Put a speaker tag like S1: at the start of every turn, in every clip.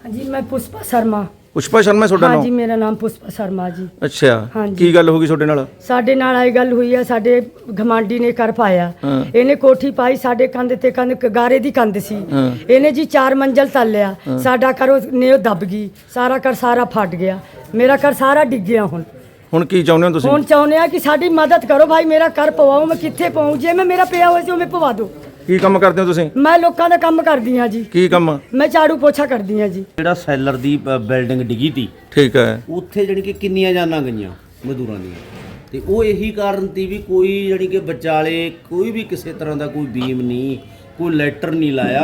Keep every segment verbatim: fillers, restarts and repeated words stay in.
S1: हाँ जी मैं पुष्पा शर्मा।
S2: पुष्पा शर्मा ਤੁਹਾਡਾ
S1: हाँ
S2: ਨਾਮ?
S1: जी मेरा नाम पुष्पा शर्मा जी।
S2: ਅੱਛਾ
S1: हाँ जी।
S2: ਕੀ ਗੱਲ ਹੋ ਗਈ ਤੁਹਾਡੇ ਨਾਲ?
S1: ਸਾਡੇ ਨਾਲ ਆਈ ਗੱਲ ਹੋਈ ਆ, ਸਾਡੇ ਘਮਾਂਡੀ ਨੇ ਕਰ ਪਾਇਆ। ਇਹਨੇ ਕੋਠੀ ਪਾਈ ਸਾਡੇ ਕੰਧ ਤੇ, ਕੰਧ ਗਾਰੇ ਦੀ ਕੰਧ ਸੀ। ਇਹਨੇ ਜੀ ਚਾਰ ਮੰਜ਼ਲ ਤੱਲਿਆ, ਸਾਡਾ ਘਰ ਨੇਓ ਦੱਬ ਗਈ, ਸਾਰਾ ਘਰ ਸਾਰਾ ਫਟ ਗਿਆ, ਮੇਰਾ ਘਰ ਸਾਰਾ ਡਿੱਗ ਗਿਆ। ਹੁਣ
S2: ਹੁਣ ਕੀ ਚਾਹੁੰਦੇ ਹੋ ਤੁਸੀਂ?
S1: ਹੁਣ ਚਾਹੁੰਦੇ ਆ ਕਿ ਸਾਡੀ ਮਦਦ ਕਰੋ ਭਾਈ, ਮੇਰਾ ਘਰ ਪਵਾਓ, ਮੈਂ ਕਿੱਥੇ ਪਵਾਉਂ? ਜੇ ਮੈਂ ਮੇਰਾ ਪਿਆ ਹੋਇਆ ਸੀ ਉਹ ਮੈਂ ਪਵਾ ਦੋ।
S2: ਕੀ ਕੰਮ ਕਰਦੇ ਹੋ ਤੁਸੀਂ?
S1: ਮੈਂ ਲੋਕਾਂ ਦਾ ਕੰਮ ਕਰਦੀ ਹਾਂ ਜੀ।
S2: ਕੀ ਕੰਮ?
S1: ਮੈਂ ਝਾੜੂ ਪੋਛਾ ਕਰਦੀ ਹਾਂ ਜੀ।
S3: ਜਿਹੜਾ ਸੈਲਰ ਦੀ ਬ- ਬਿਲਡਿੰਗ ਡਿੱਗੀ ਤੀ,
S2: ਠੀਕ ਹੈ।
S3: ਉੱਥੇ ਜਾਣੀ ਕਿ ਕਿੰਨੀਆਂ ਜਾਨਾਂ ਗਈਆਂ ਮਜ਼ਦੂਰਾਂ ਦੀਆਂ, ਤੇ ਉਹ ਇਹੀ ਕਾਰਨ ਤੀ ਵੀ ਕੋਈ ਜਾਣੀ ਕਿ ਵਿਚਾਲੇ ਕੋਈ ਵੀ ਕਿਸੇ ਤਰ੍ਹਾਂ ਦਾ ਕੋਈ ਬੀਮ ਨਹੀਂ, ਕੋਈ ਲੈਟਰ ਨਹੀਂ ਲਾਇਆ।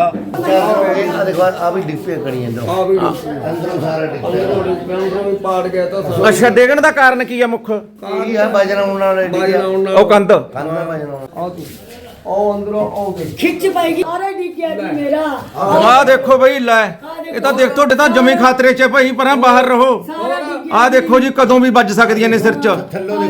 S4: ਆ ਦੇਖੋ ਆ ਵੀ ਡਿੱਪੇ ਕਰੀ ਜਾਂਦਾ ਆ ਵੀ ਅੰਦਰੋਂ ਸਾਰਾ ਡਿੱਪੇ
S5: ਪਾੜ ਗਿਆ ਤਾਂ
S2: ਅੱਛਾ ਡੇਗਣ ਦਾ ਕਾਰਨ ਕੀ ਆ ਮੁੱਖ?
S4: ਕੀ ਆ ਵਜਨ ਉਹਨਾਂ ਵਾਲੇ ਡਿੱਗਿਆ
S2: ਉਹ ਕੰਧ
S4: ਕੰਨ ਮੈਂ ਵਜਨ
S5: ਆ ਤੂੰ ਉਹ ਅੰਦਰੋਂ ਉਹ ਗਈ
S1: ਖਿੱਚ ਪਾਏਗੀ ਸਾਰਾ ਡਿੱਗ ਗਿਆ ਜੀ ਮੇਰਾ।
S2: ਆਹ ਦੇਖੋ ਬਈ ਲੈ, ਇਹ ਤਾਂ ਦੇਖ ਤੁਹਾਡੇ ਤਾਂ ਜਮੀ ਖਾਤਰੇ 'ਚ ਭਾਈ, ਪਰਾਂ ਬਾਹਰ ਰਹੋ। ਆਹ ਦੇਖੋ ਜੀ ਕਦੋਂ ਵੀ ਵੱਜ ਸਕਦੀਆਂ ਨੇ ਸਿਰ 'ਚ।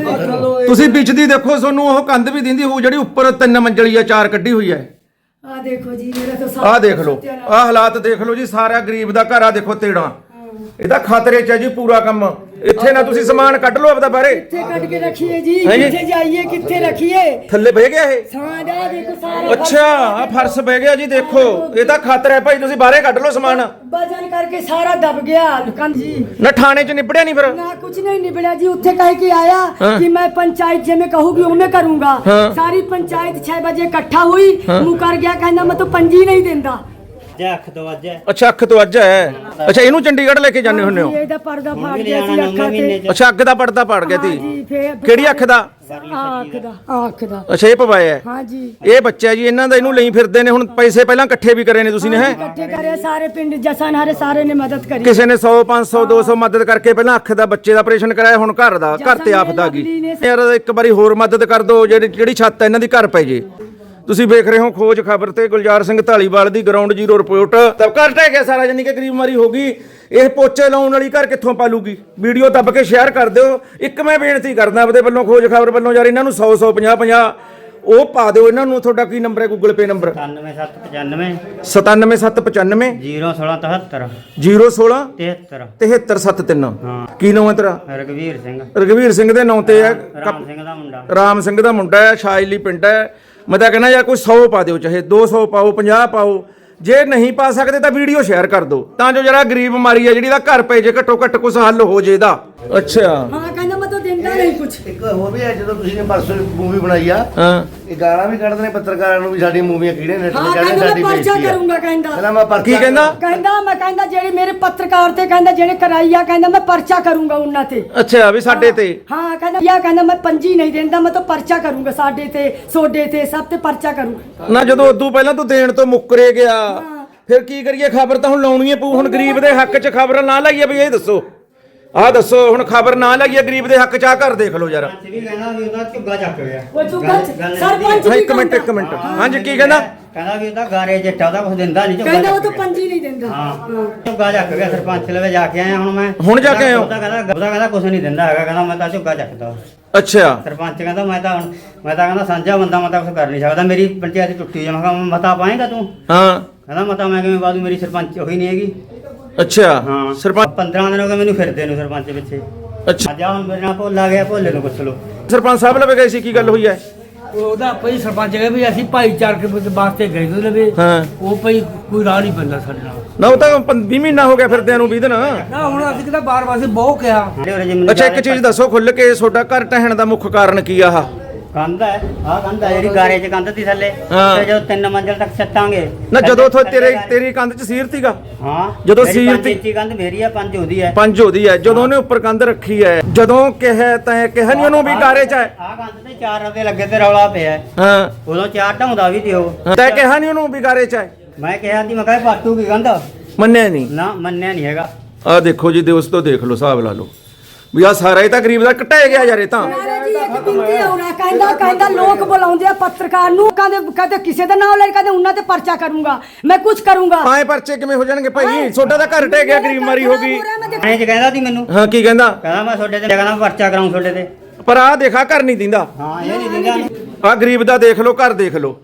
S2: ਤੁਸੀਂ ਵਿੱਚ ਦੀ ਦੇਖੋ, ਤੁਹਾਨੂੰ ਉਹ ਕੰਧ ਵੀ ਦਿੰਦੀ ਹੋਊ ਜਿਹੜੀ ਉੱਪਰ ਤਿੰਨ ਮੰਜ਼ਲੀ ਆ, ਚਾਰ ਕੱਢੀ ਹੋਈ ਹੈ।
S1: ਆ ਦੇਖੋ ਜੀ ਮੇਰਾ ਤਾਂ ਸਾਰਾ
S2: ਆਹ ਦੇਖ ਲਓ, ਆਹ ਹਾਲਾਤ ਦੇਖ ਲਓ ਜੀ, ਸਾਰਾ ਗਰੀਬ ਦਾ ਘਰ ਆ ਦੇਖੋ ਤੇੜਾ। ਇਹਦਾ ਖਾਤਰੇ 'ਚ ਹੈ ਜੀ ਪੂਰਾ ਕੰਮ। ਇੱਥੇ ਨਾ ਤੁਸੀਂ ਸਮਾਨ ਕੱਢ ਲਓ ਆਪਦਾ ਬਾਹਰੇ।
S1: ਕਿੱਥੇ ਕੱਢ ਕੇ ਰੱਖੀਏ ਜੀ?
S2: ਹੈਂ ਜੀ?
S1: ਕਿੱਥੇ ਜਾਈਏ, ਕਿੱਥੇ ਰੱਖੀਏ?
S2: ਥੱਲੇ ਬਹਿ ਗਿਆ ਇਹ?
S1: ਸਾਡਾ ਦੇਖੋ ਸਾਰਾ
S2: ਅੱਛਾ ਆ ਫਰਸ਼ ਬਹਿ ਗਿਆ ਜੀ, ਦੇਖੋ ਇਹ ਤਾਂ ਖਾਤਰ ਹੈ ਭਾਈ, ਤੁਸੀਂ ਬਾਹਰੇ ਕੱਢ ਲਓ ਸਮਾਨ।
S1: ਵਜਨ ਕਰਕੇ ਸਾਰਾ ਦਬ ਗਿਆ ਦੁਕਾਨ ਜੀ।
S2: ਨਾ ਥਾਣੇ 'ਚ ਨਿਬੜਿਆ ਨਹੀਂ ਫਿਰ?
S1: ना कुछ नहीं निबड़ा जी, उत्थे कह के आया
S2: हाँ।
S1: कि मैं पंचायत जे में कहूंगी वो मैं करूंगा।
S2: हाँ।
S1: सारी पंचायत छह बजे इकट्ठा हुई, मुकर गया, कहना मैं तो पंजी नहीं देंदा।
S3: ਅੱਖ ਤੋਂ ਵੱਜ ਹੈ।
S2: ਅੱਛਾ ਅੱਖ ਤੋਂ ਅੱਜ ਹੈ। ਅੱਛਾ ਇਹਨੂੰ ਚੰਡੀਗੜ੍ਹ ਲੈ ਕੇ ਜਾਂਦੇ ਹੁੰਦੇ ਹੋ?
S1: ਇਹਦਾ ਪਰਦਾ ਫਾੜ ਗਿਆ ਸੀ ਅੱਖਾਂ ਤੇ।
S2: ਅੱਛਾ ਅੱਖ ਦਾ ਪਰਦਾ ਪੜ ਗਿਆ
S1: हाँ
S2: ਸੀ।
S1: जी, फिर
S2: ਕਿਹੜੀ ਅੱਖ ਦਾ?
S1: आँख दा आँख दा।
S2: ਅੱਛਾ ਇਹ ਪਵਾਇਆ ਹੈ।
S1: हाँ जी
S2: ਇਹ ਬੱਚਾ ਜੀ ਇਹਨਾਂ ਦਾ, ਇਹਨੂੰ ਲਈ ਫਿਰਦੇ ਨੇ ਹੁਣ। ਪੈਸੇ ਪਹਿਲਾਂ ਇਕੱਠੇ ਵੀ ਕਰੇ ਨੇ ਤੁਸੀਂ ਨੇ ਹੈ?
S1: इकट्ठे करे सारे पिंड जसन हरे सारे ने मदद करी।
S2: ਕਿਸੇ ਨੇ सौ पाँच सौ दो सौ ਮਦਦ ਕਰਕੇ ਪਹਿਲਾਂ ਅੱਖ ਦਾ ਬੱਚੇ ਦਾ ਆਪਰੇਸ਼ਨ ਕਰਾਇਆ, ਹੁਣ ਘਰ ਦਾ, ਘਰ ਤੇ ਆਫਤ ਆ ਗਈ। ਯਾਰ ਇੱਕ ਵਾਰੀ ਹੋਰ ਮਦਦ ਕਰ ਦਿਓ, ਜਿਹੜੀ ਜਿਹੜੀ ਛੱਤ ਹੈ ਇਹਨਾਂ ਦੀ ਘਰ ਪੈ ਜੇ। ਤੁਸੀਂ ਵੇਖ ਰਹੇ ਹੋ ਖੋਜ ਖਬਰ ਤੇ ਗੁਲਜ਼ਾਰ ਸਿੰਘ ਢਾਲੀਵਾਲ ਦੀ ਗਰਾਊਂਡ ਜ਼ੀਰੋ ਰਿਪੋਰਟ। ਤਾਂ ਘਰ ਟਹਿ ਗਿਆ ਸਾਰਾ, ਜਾਨੀ ਕਿ ਗਰੀਬ ਮਾਰੀ ਹੋ ਗਈ। ਇਹ ਪੋਚੇ ਲਾਉਣ ਵਾਲੀ ਘਰ ਕਿੱਥੋਂ ਪਾਲੂਗੀ? ਵੀਡੀਓ ਦੱਬ ਕੇ ਸ਼ੇਅਰ ਕਰ ਦਿਓ। ਇੱਕ ਮੈਂ ਬੇਨਤੀ ਕਰਦਾ ਆਪਦੇ ਵੱਲੋਂ, ਖੋਜ ਖਬਰ ਵੱਲੋਂ, ਯਾਰ ਇਹਨਾਂ ਨੂੰ ਸੌ ਸੌ ਪੰਜਾਹ ਪੰਜਾਹ ਉਹ ਪਾ ਦਿਓ ਇਹਨਾਂ ਨੂੰ। ਤੁਹਾਡਾ ਕੀ ਨੰਬਰ ਹੈ ਗੂਗਲ ਪੇ ਨੰਬਰ?
S3: ਸਤਾਨਵੇਂ ਸੱਤ ਪਚਾਨਵੇਂ
S2: ਸਤਾਨਵੇਂ ਸੱਤ ਪਚਾਨਵੇਂ
S3: ਜ਼ੀਰੋ ਸੋਲਾਂ ਤਹੱਤਰ
S2: ਜ਼ੀਰੋ ਸੋਲਾਂ
S3: ਤਹੱਤਰ
S2: ਤਿਹੱਤਰ ਸੱਤ ਤਿੰਨ।
S3: ਹਾਂ।
S2: ਕੀ ਨਾਮ ਹੈ ਤੇਰਾ?
S3: ਰਘਵੀਰ ਸਿੰਘ,
S2: ਰਘਵੀਰ ਸਿੰਘ ਦੇ ਨਾਂ ਤੇ ਹੈ।
S3: ਰਾਮ ਸਿੰਘ ਦਾ ਮੁੰਡਾ।
S2: ਰਾਮ ਸਿੰਘ ਦਾ ਮੁੰਡਾ ਹੈ, ਸ਼ਾਇਲੀ ਪਿੰਡ ਹੈ। ਮੈਂ ਤਾਂ ਕਹਿੰਦਾ ਯਾਰ ਕੋਈ ਸੌ ਪਾ ਦਿਓ, ਚਾਹੇ ਦੋ ਸੌ ਪਾਓ, ਪੰਜਾਹ ਪਾਓ। ਜੇ ਨਹੀਂ ਪਾ ਸਕਦੇ ਤਾਂ ਵੀਡੀਓ ਸ਼ੇਅਰ ਕਰ ਦਿਓ, ਤਾਂ ਜੋ ਜਰਾ ਗਰੀਬ ਮਾਰੀ ਹੈ ਜਿਹੜੀ ਦਾ ਘਰ ਪੈ ਜੇ, ਘੱਟੋ ਘੱਟ ਕੁਛ ਹੱਲ ਹੋ ਜੇ ਇਹਦਾ। ਅੱਛਾ
S1: हाँ कहना मैं तो देंदा नहीं कुछ।
S4: ਇੱਕ ਹੋਰ ਵੀ ਹੈ, ਜਦੋਂ ਤੁਸੀਂ ਨੇ ਪਰਸੋਂ ਮੂਵੀ ਬਣਾਈ ਆ,
S2: ਹਾਂ
S4: ਇਹ ਗਾਲਾਂ ਵੀ ਕੱਢਦੇ ਨੇ ਪੱਤਰਕਾਰਾਂ ਨੂੰ ਵੀ ਸਾਡੀ ਮੂਵੀਆਂ ਕਿਹੜੇ ਨੈਟ
S1: हाँ
S4: ਤੇ ਚੜ੍ਹਦੇ,
S1: कहना
S4: ਸਾਡੀ
S1: मैं पर्चा
S4: ਬੇਇੱਜ਼ਤੀ ਆ।
S1: करूंगा कहना।
S4: ਕਹਿੰਦਾ ਮੈਂ ਪਰਚਾ
S2: ਕੀ ਕਹਿੰਦਾ?
S1: कहना मैं कहना जेड़े मेरे पत्रकार थे, कहना जेड़े कराइया, कहना मैं पर्चा करूंगा उन्ना ते।
S2: ਅੱਛਾ ਵੀ ਸਾਡੇ ਤੇ
S1: हाँ कहना या कहना मैं पंजी नहीं देंदा, मैं तो पर्चा करूंगा साडे ते, सोडे ते, सब ते पर्चा करूंगा।
S2: ਨਾ ਜਦੋਂ ਉਦੋਂ ਪਹਿਲਾਂ ਤੂੰ ਦੇਣ ਤੋਂ ਮੁੱਕਰੇ ਗਿਆ, ਫਿਰ ਕੀ ਕਰੀਏ? ਖਬਰ ਤਾਂ ਹੁਣ ਲਾਉਣੀ ਹੈ ਪਊ। ਹੁਣ ਗਰੀਬ ਦੇ ਹੱਕ 'ਚ ਖਬਰ ਨਾ ਲਾਈਏ ਵੀ ਇਹ ਦੱਸੋ, ਆਹ ਦੱਸੋ ਹੁਣ ਖਬਰ ਨਾ ਲਾਈਏ ਗਰੀਬ ਦੇ ਹੱਕ 'ਚ। ਆ ਘਰ ਦੇਖ ਲਓ ਯਾਰ।
S3: ਵੀ ਕਹਿਣਾ ਵੀ ਉਹਦਾ ਝੁੱਗਾ ਚੱਕ ਗਿਆ।
S1: वो चुका सरपंच
S2: ਹਾਂ
S1: भी
S2: ਇੱਕ ਮਿੰਟ ਇੱਕ
S1: कहंदा।
S2: ਮਿੰਟ ਹਾਂਜੀ ਕੀ ਕਹਿੰਦਾ?
S3: ਕਹਿੰਦਾ ਵੀ ਉਹਦਾ ਗਾਰੇ ਜੱਟਾ ਉਹਦਾ ਕੁਝ ਦਿੰਦਾ ਨਹੀਂ, ਝੁੱਗਾ
S1: कहना वो
S3: ਚੱਕ
S1: तो
S3: ਗਿਆ।
S1: पंजी नहीं देंदा।
S3: ਹਾਂ ਝੁੱਗਾ ਚੱਕ ਗਿਆ। ਸਰਪੰਚ ਲਵੇ ਜਾ ਕੇ ਆਇਆ ਹੁਣ ਮੈਂ।
S2: ਹੁਣ ਜਾ ਕੇ ਆਏ ਹੋ?
S3: ਉਹਦਾ ਕਹਿੰਦਾ ਉਹਦਾ ਕਹਿੰਦਾ ਕੁਝ ਨਹੀਂ ਦਿੰਦਾ ਹੈਗਾ, ਕਹਿੰਦਾ ਮੈਂ ਤਾਂ ਝੁੱਗਾ ਚੱਕਦਾ।
S2: ਅੱਛਾ
S3: ਸਰਪੰਚ ਕਹਿੰਦਾ ਮੈਂ ਤਾਂ ਹੁਣ ਮੈਂ ਤਾਂ ਕਹਿੰਦਾ ਸਾਂਝਾ ਬੰਦਾ, ਮੈਂ ਤਾਂ ਕੁਝ ਕਰ ਨਹੀਂ ਸਕਦਾ, ਮੇਰੀ ਪੰਚਾਇਤ ਟੁੱਟੀ ਜਾ। ਮੈਂ ਕਿਹਾ ਮਤਾ ਪਾਏਗਾ ਤੂੰ?
S2: ਹਾਂ
S3: ਕਹਿੰਦਾ ਮਤਾ ਮੈਂ ਕਿਵੇਂ ਬਾਦੂ, ਮੇਰੀ ਸਰਪੰਚ ਉਹੀ ਨਹੀਂ ਹੈਗੀ।
S2: ਅੱਛਾ
S3: ਹਾਂ
S2: ਸਰਪੰਚ
S3: ਪੰਦਰਾਂ ਦਿਨ ਹੋ ਗਏ ਮੈਨੂੰ ਫਿਰਦੇ ਨੂੰ ਸਰਪੰਚ ਪਿੱਛੇ।
S2: ਅੱਛਾ
S3: ਅੱਜ ਹੁਣ ਮੇਰੇ ਨਾਲ ਭੋਲਾ ਗਿਆ, ਭੋਲੇ ਨੂੰ ਪੁੱਛ ਲਓ।
S2: ਸਰਪੰਚ ਸਾਹਿਬ ਲਵੇ ਗਏ ਸੀ, ਕੀ ਗੱਲ ਹੋਈ ਹੈ?
S5: ਉਹਦਾ ਭਈ ਸਰਪੰਚ ਕਹਿੰਦਾ ਵੀ ਅਸੀਂ ਭਾਈਚਾਰਕ ਵਾਸਤੇ ਗਏ ਤੇ ਲਵੇ,
S2: ਹਾਂ
S5: ਉਹ ਭਈ ਕੋਈ ਰਾਹ ਨਹੀਂ ਪੈਂਦਾ ਸਾਡੇ ਨਾਲ।
S2: ਨਾ ਉਹ ਤਾਂ ਵੀਹ ਮਹੀਨਾ ਹੋ ਗਿਆ ਫਿਰਦਿਆਂ ਨੂੰ, ਵੀਹ ਦਿਨ।
S5: ਨਾ ਹੁਣ ਅਸੀਂ ਕਿਤਾ ਬਾਰ ਵਾਰ ਬਹੁਤ ਕਿਹਾ।
S3: ਜਿਹੜੇ ਉਰੇ ਜੇ ਮੈਨੂੰ
S2: ਅੱਛਾ ਇੱਕ ਚੀਜ਼ ਦੱਸੋ ਖੁੱਲ ਕੇ, ਤੁਹਾਡਾ ਘਰ ਢਹਿਣ ਦਾ ਮੁੱਖ ਕਾਰਨ ਕੀ ਆ? ਆਹ
S3: ਕੰਧ ਹੈ, ਆਹ ਕੰਧ ਹੈ ਜਿਹੜੀ ਗਾਰੇ 'ਚ ਕੰਧ ਤੀ ਥੱਲੇ,
S2: ਹਾਂ।
S3: ਤੇ ਜਦੋਂ ਤਿੰਨ ਮੰਜ਼ਲ ਤੱਕ ਛੱਤਾਂਗੇ।
S2: ਨਾ ਜਦੋਂ ਉੱਥੋਂ
S3: ਥੱਲੇ
S2: ਤੇਰੇ
S3: ਗਾਰੇ-
S2: ਤੇਰੀ ਕੰਧ 'ਚ ਸੀਰ ਸੀਗਾ,
S3: ਹਾਂ
S2: ਜਦੋਂ
S3: ਮੇਰੀ
S2: ਸੀਰ
S3: ਪੰਜ
S2: ਤੀ-
S3: ਇੰਚੀ ਕੰਧ ਮੇਰੀ ਆ, ਪੰਜ ਉਹਦੀ ਹੈ।
S2: ਪੰਜ ਉਹਦੀ ਹੈ। ਜਦੋਂ ਉਹਨੇ ਉੱਪਰ ਕੰਧ ਰੱਖੀ ਹੈ, ਜਦੋਂ ਕਿਹਾ ਤੈਂ ਕਿਹਾ ਨਹੀਂ ਉਹਨੂੰ ਵੀ ਗਾਰੇ 'ਚ ਹੈ?
S3: ਆਹ ਕੰਧ ਤੇ ਚਾਰ ਰਦੇ ਲੱਗੇ ਤੇ ਰੌਲਾ ਪਿਆ ਹੈ।
S2: ਹਾਂ
S3: ਉਦੋਂ ਚਾਰ ਢਾਉਂਦਾ ਵੀ ਤੇ ਉਹ।
S2: ਤੈਂ ਕਿਹਾ ਨਹੀਂ ਉਹਨੂੰ ਵੀ ਗਾਰੇ 'ਚ ਹੈ?
S3: ਮੈਂ ਕਿਹਾ ਦੀ ਮੈਂ ਕਿਹਾ ਪਾਟੂ ਕੀ ਕੰਧ,
S2: ਮੰਨਿਆ ਨਹੀਂ।
S3: ਨਾ ਮੰਨਿਆ ਨਹੀਂ ਹੈਗਾ।
S2: ਆਹ ਦੇਖੋ ਜੀ ਦੋਸਤੋ, ਦੇਖ ਲਓ, ਹਿਸਾਬ ਲਾ ਲਓ ਵੀ ਆਹ ਸਾਰਾ ਇਹ ਤਾਂ ਗਰੀਬ ਦਾ ਘਟਾਇਆ ਗਿਆ ਯਾਰ। ਇਹ ਤਾਂ
S1: ਨਾਲੇ ਜੀ ਇੱਕ ਬਿੰਤੀ ਆਉਣਾ ਕਹਿੰਦਾ ਕਹਿੰਦਾ ਲੋਕ ਬੁਲਾਉਂਦੇ ਆ ਪੱਤਰਕਾਰ ਨੂੰ, ਕਹਿੰਦੇ ਕਹਿੰਦੇ ਕਿਸੇ ਦਾ ਨਾਮ ਲੈ, ਕਹਿੰਦੇ ਉਹਨਾਂ ਤੇ ਪਰਚਾ ਕਰੂੰਗਾ, ਮੈਂ ਕੁਝ ਕਰੂੰਗਾ।
S2: ਆਏ ਪਰਚੇ ਕਿਵੇਂ ਹੋ ਜਾਣਗੇ ਭਾਈ? ਤੁਹਾਡਾ ਤਾਂ ਘਰ ਟਹਿ ਗਿਆ, ਗਰੀਬ ਮਾਰੀ ਹੋ ਗਈ।
S3: ਐਂ ਚ ਕਹਿੰਦਾ ਸੀ ਮੈਨੂੰ,
S2: ਹਾਂ ਕੀ ਕਹਿੰਦਾ?
S3: ਕਹਿੰਦਾ ਮੈਂ ਤੁਹਾਡੇ ਤੇ ਕਹਿੰਦਾ ਪਰਚਾ ਕਰਾਉਂ ਤੁਹਾਡੇ ਤੇ।
S2: ਪਰ ਆਹ ਦੇਖਾ ਘਰ ਨਹੀਂ ਦਿੰਦਾ।
S3: ਹਾਂ ਇਹ ਨਹੀਂ ਦਿੰਦਾ।
S2: ਆਹ ਗਰੀਬ ਦਾ ਦੇਖ ਲਓ, ਘਰ ਦੇਖ ਲਓ।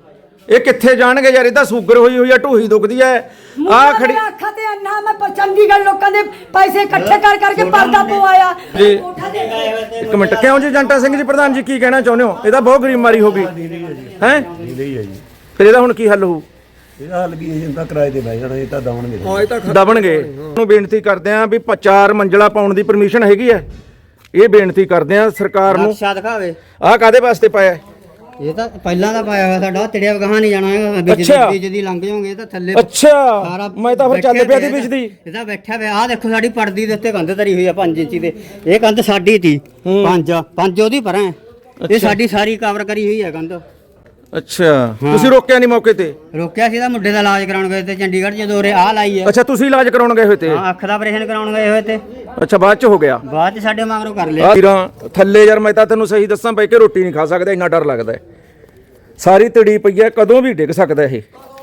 S2: ਇਹ ਕਿੱਥੇ ਜਾਣਗੇ ਯਾਰ? ਇਹ ਤਾਂ ਸ਼ੂਗਰ ਹੋਈ ਹੋਈ ਆ, ਢੂਹੀ ਦੁਖਦੀ ਐ। ਆ ਖੜੀ
S1: ਅੱਖਾਂ ਤੇ ਅੰਨਾ ਮੈਂ ਪਰ ਚੰਡੀਗੜ੍ਹ ਲੋਕਾਂ ਦੇ ਪੈਸੇ ਇਕੱਠੇ ਕਰ ਕਰਕੇ ਪਰਦਾ ਪਵਾਇਆ
S2: ਜੀ ਇੱਕ ਮਿੰਟ, ਕਿਉਂ ਜੀ ਜੰਟਾ ਸਿੰਘ ਜੀ ਪ੍ਰਧਾਨ ਜੀ ਕੀ ਕਹਿਣਾ ਚਾਹੁੰਦੇ ਹੋ? ਇਹ ਤਾਂ ਬਹੁਤ ਗਰੀਬ ਮਾਰੀ ਹੋ ਗਈ ਹੈ, ਫਿਰ ਇਹਦਾ ਹੁਣ ਕੀ ਹੱਲ ਹੋਊ?
S6: ਇਹਦਾ ਹੱਲ ਕੀ ਹੈ? ਤਾਂ ਕਿਰਾਏ ਤੇ ਬਹਿ ਜਾਣਾ, ਇਹ ਤਾਂ ਦਵਣਗੇ
S2: ਦਬਣਗੇ। ਨੂੰ ਬੇਨਤੀ ਕਰਦੇ ਆਂ ਵੀ ਪ- ਚਾਰ ਮੰਜ਼ਲਾ ਪਾਉਣ ਦੀ ਪਰਮਿਸ਼ਨ ਹੈਗੀ ਐ। ਇਹ ਬੇਨਤੀ ਕਰਦੇ ਆਂ ਸਰਕਾਰ ਨੂੰ।
S7: ਨਕਸ਼ਾ ਦਿਖਾਵੇ।
S2: ਆਹ ਕਾਦੇ ਵਾਸਤੇ ਪਾਇਆ ਹੈ?
S7: ਇਹ ਤਾਂ ਪਹਿਲਾਂ ਦਾ ਪਾਇਆ ਹੋਇਆ ਸਾਡਾ, ਤੇੜਿਆ ਗਾਹਾਂ ਨਹੀਂ ਜਾਣਾ ਹੈਗਾ। ਵਿੱਚ
S2: ਅੱਛਾ।
S7: ਦੀ ਵਿੱਚ ਦੀ ਲੰਘ ਜਾਓਗੇ ਤਾਂ ਥੱਲੇ
S2: ਅੱਛਾ, ਮੈਂ ਤਾਂ ਫਿਰ ਚੱਲ ਪਿਆ ਦੀ ਵਿੱਚ ਦੀ।
S7: ਇਹਦਾ ਬੈਠਿਆ ਹੋਇਆ। ਆਹ ਦੇਖੋ ਸਾਡੀ ਪਰਦੀ ਦੇ ਉੱਤੇ ਕੰਧ ਧਰੀ ਹੋਈ ਆ ਪੰਜ ਇੰਚੀ ਦੇ। ਇਹ ਕੰਧ ਸਾਡੀ ਤੀ ਪੰਜ ਪੰਜ ਉਹਦੀ ਪਰਾਂ ਹੈ। ਇਹ ਸਾਡੀ ਸਾਰੀ ਕਵਰ ਕਰੀ ਹੋਈ ਹੈ ਕੰਧ।
S2: ਅੱਛਾ, ਤੁਸੀਂ ਰੋਕਿਆ ਨਹੀਂ ਮੌਕੇ ਤੇ?
S7: ਰੋਕਿਆ ਸੀ ਤਾਂ ਮੁੰਡੇ ਦਾ ਇਲਾਜ ਕਰਾਉਣ ਗਏ ਤੇ ਚੰਡੀਗੜ੍ਹ ਜਦੋਂ ਉਰੇ ਆਹ ਲਾਈ ਹੈ।
S2: ਅੱਛਾ, ਤੁਸੀਂ ਇਲਾਜ ਕਰਾਉਣ ਗਏ ਹੋਏ ਤੇ?
S7: ਹਾਂ, ਅੱਖ ਦਾ ਆਪਰੇਸ਼ਨ ਕਰਾਉਣ ਗਏ ਹੋਏ ਤੇ
S2: ਅੱਛਾ, ਬਾਅਦ ਚ ਹੋ ਗਿਆ?
S7: ਬਾਅਦ ਚ ਸਾਡੇ ਮਗਰੋਂ ਕਰ ਲਿਆ।
S2: ਆਹ ਵੀਰਾਂ ਥੱਲੇ ਯਾਰ ਮੈਂ ਤਾਂ ਤੈਨੂੰ ਸਹੀ ਦੱਸਾਂ ਬਈ ਕਿ ਰੋਟੀ ਨਹੀਂ ਖਾ ਸਕਦਾ, ਇੰਨਾ ਡਰ ਲੱਗਦਾ ਹੈ। ਸਾਰੀ ਤੜੀ ਪਈ ਹੈ, ਕਦੋਂ ਵੀ ਡਿੱਗ ਸਕਦਾ ਇਹ।